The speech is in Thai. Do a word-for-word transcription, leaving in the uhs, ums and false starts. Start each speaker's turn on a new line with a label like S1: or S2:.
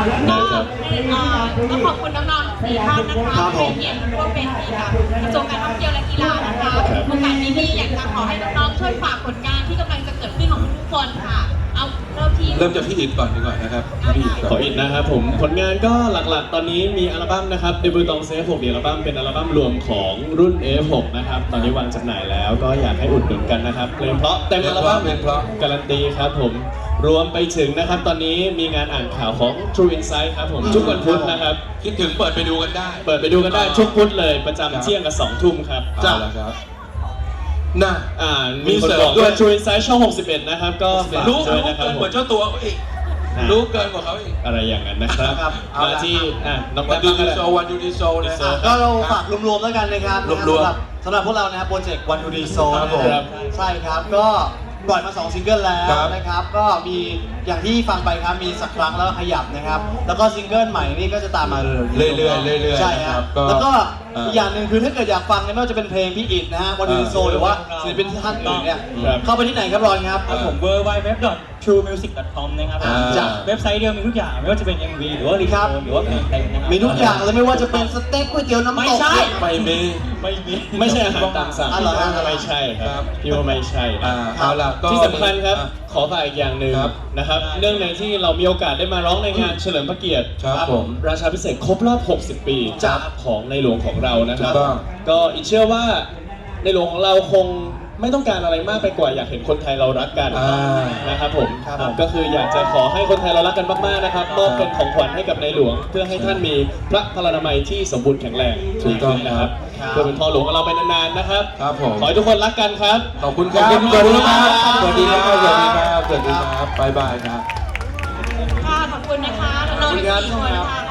S1: ก็ต้องขอบคุณน้องๆสี่ท่านนะคะที่เป็นเกียรติร่วมเป็นที่กับกระทรวงการท่องเที่ยวและกีฬานะคะโอกาสนี้ที่อยากจะขอให้น้องๆช่วยฝากผลงานที่กำลังจะเกิดขึ้นของทุกคนค่ะเอาเริ่มที่
S2: เริ่มจากพี่อิฐก่อนดีกว่านะครับพี่อิฐ
S3: ขออินนะครับผมผลงานก็หลักๆตอนนี้มีอัลบั้มนะครับเดบิวตองเซฟหกอัลบั้มเป็นอัลบั้มรวมของรุ่น เอ เอฟ หก นะครับตอนนี้วางจำหน่ายแล้วก็อยากให้อุดหนุนกันนะครับเพลงเพราะเต็มอัลบั้มการันตีครับผมรวมไปถึงนะครับตอนนี้มีงานอ่านข่าวของ True Insight ครับผมทุกวันพุธนะครับ
S2: คิดถึงเปิดไปดูกันได้
S3: เปิดไปดูกันได้ทุกพุธเลยประจำเที่ยงกับสองทุ่มครับ
S2: จ้าแล้วครับน่ะ
S3: อ่า
S2: มี
S3: มีคน
S2: เสริม
S3: บอก
S2: ด้
S3: ด้
S2: ว
S3: วย ย True Insight ช่องหกสิบเอ็ดนะครับก็ฝาก
S2: รู้
S3: ด้วย
S2: รู้
S3: นะครับ
S2: เกิน
S3: ผ
S2: กว่าม เจ้าตัวเขาอีก
S3: อ่ะ
S2: รู้เกินกว่าเขาอีก
S3: อะไรอย่างนั้นนะครับ
S4: ครับเอา
S3: มา
S4: ละ
S3: ที่อ่ะน้อง
S2: วั
S3: แป๊
S2: น
S3: บ
S2: ดู
S3: ก็
S2: ดี
S3: ได้
S2: โซวันดูดีโซนะ
S3: ดีโซ
S4: ก็เราฝากรวมๆแล้วกันนะครับ
S2: รวมๆ
S4: สำหรับสำหรับพวกเรานะครับโปรเจกต์วันดูดีโซ
S2: ครับผม
S4: ใช่ครับก็ปล่อยมาสองซิงเกิลแล้ว
S2: ครับ
S4: นะครับก็มีอย่างที่ฟังไปครับมีสักครั้งแล้วขยับนะครับแล้วก็ซิงเกิลใหม่นี่ก็จะตามมาเรื่อยๆ
S2: เรื่อยๆเรื่อยๆ
S4: ใช่
S2: นะ
S4: ค
S2: ครั
S4: รั
S2: บบ ก็
S4: แล้วก็
S2: อ่า
S4: อีกอย่างหนึ่งคือถ้าเกิดอยากฟังเนี่ยไม่ว่าจะเป็นเพลงพี่อิฐนะฮะวันดูดีโซหรือว่าศิลปินท่านอื่นเนี่ย
S3: ครับ
S4: เข้าไปที่ไหนครับรอนครับ
S5: ครับผม ดับเบิลยู ดับเบิลยู ดับเบิลยู ดอท ทรูมิวสิก ดอท คอม นะครับ
S2: อ่า
S5: จากเว็บไซต์เดียวมีทุกอย่างไม่ว่าจะเป็น เอ็ม วี หรือว่ารี
S4: ครับ
S5: โทนหรือว่าเพลงเต็มนะครับ
S4: มีทุกอย่างเลยไม่ว่าจะเป็นสเต็กก๋วยเตี๋ยวน้ำตก
S5: ไม่ใช่
S2: ไม่มี
S5: ไม่มี
S3: ไม่ใช่อาหารตามสั่ง
S4: อ๋อเหรอ
S3: ไม่ใช่ค
S2: ครั
S3: รับบ พี่ว่าไม่ใช่
S2: อ่า
S3: นะ
S2: เอาล่ะก็
S3: ที่สำคัญครับ
S2: อ่ะ
S3: ขอฝากอีกอย่างหนึ่ง
S2: ครับ
S3: นะครับเนื่องในที่เรามีโอกาสได้มาร้องในงานเฉลิมพระเกียรติ
S2: ครับผม
S3: ราชาพิเศษกครบรอบ หกสิบ ปี
S2: ครับ
S3: ของในหลวงของเรานะครับ
S2: ถูกต้อง
S3: ก็อีกเชื่อว่าในหลวงของเราคงไม่ต้องการอะไรมากไปกว่าอยากเห็นคนไทยเรารักกัน
S2: อ่า
S3: นะครับผม
S4: ครับผม
S3: ก็คืออยากจะขอให้คนไทยเรารักกันมากๆนะครับมอบเป็นของขวัญให้กับในหลวง เพื่อให้ท่านมีพระพลานามัยที่สมบูรณ์แข็งแรง
S2: ถูกต้อง
S3: นะครับ
S4: ครับ
S3: เพื่อเป็นพ่อหลวงของเราไปนานๆนะครับ
S2: ครับผม
S3: ขอให้ทุกคนรักกันครับ
S2: ขอบคุณครับ
S3: ขอบคุณ
S2: สวัสดีครับ
S3: ครับ
S2: สวัสดีครับ สวัสดีครับ สวัสดีครับบ๊ายบายครับ
S1: ค่ะขอบคุณนะคะน้องๆทั้งสี่คนค่ะ